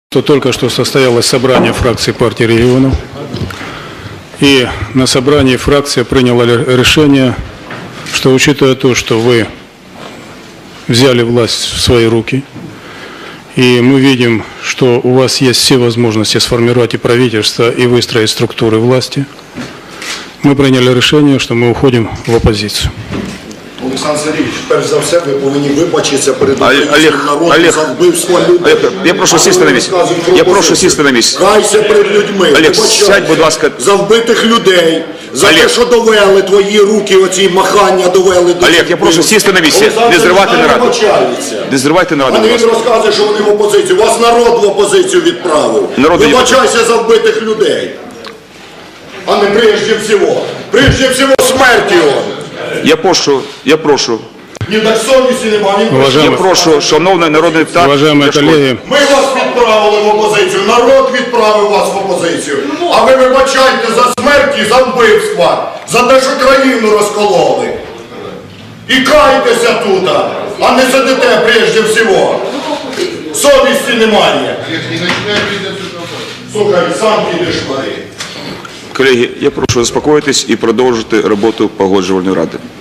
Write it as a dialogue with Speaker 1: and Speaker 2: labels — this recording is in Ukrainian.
Speaker 1: Только что состоялось собрание фракции партии регионов, и на собрании фракция приняла решение, что учитывая то, что вы взяли власть в свои руки, и мы видим, что у вас есть все возможности сформировать и правительство, и выстроить структуры власти, мы приняли решение, что мы уходим в оппозицию.
Speaker 2: Олександр Сергійович, перш за все, ви повинні вибачитися перед
Speaker 3: Олег,
Speaker 2: народом за вбивство людей.
Speaker 3: Я прошу сісти на місце. Я прошу сісти на місце.
Speaker 2: Кайся перед людьми.
Speaker 3: Олег, сядь, будь ласка.
Speaker 2: За вбитих людей, за те, що довели твої руки, оці махання довели до...
Speaker 3: Олег, я прошу сісти на місце. Не зривати нараду. Не зривайте нараду,
Speaker 2: А не
Speaker 3: будь
Speaker 2: він
Speaker 3: ласка.
Speaker 2: розказує, що вони в опозицію. Вас народ в опозицію відправив. Вибачайся за вбитих людей. А не прежде всього. Прежде всього смерті он.
Speaker 3: Я прошу.
Speaker 2: Ні, так совісті немає.
Speaker 3: Я прошу, шановний народний депутат.
Speaker 1: Уважаемые коллеги,
Speaker 2: Ми вас відправили в опозицію, народ відправив вас в опозицію. А ви вибачайте за смерть і за вбивства, за те, що країну розкололи. І кайтеся тут, а не сидите прежде всього. Совісті немає. Слухай, сам підеш туди.
Speaker 3: Колеги, я прошу заспокоїтись і продовжити роботу Погоджувальної ради.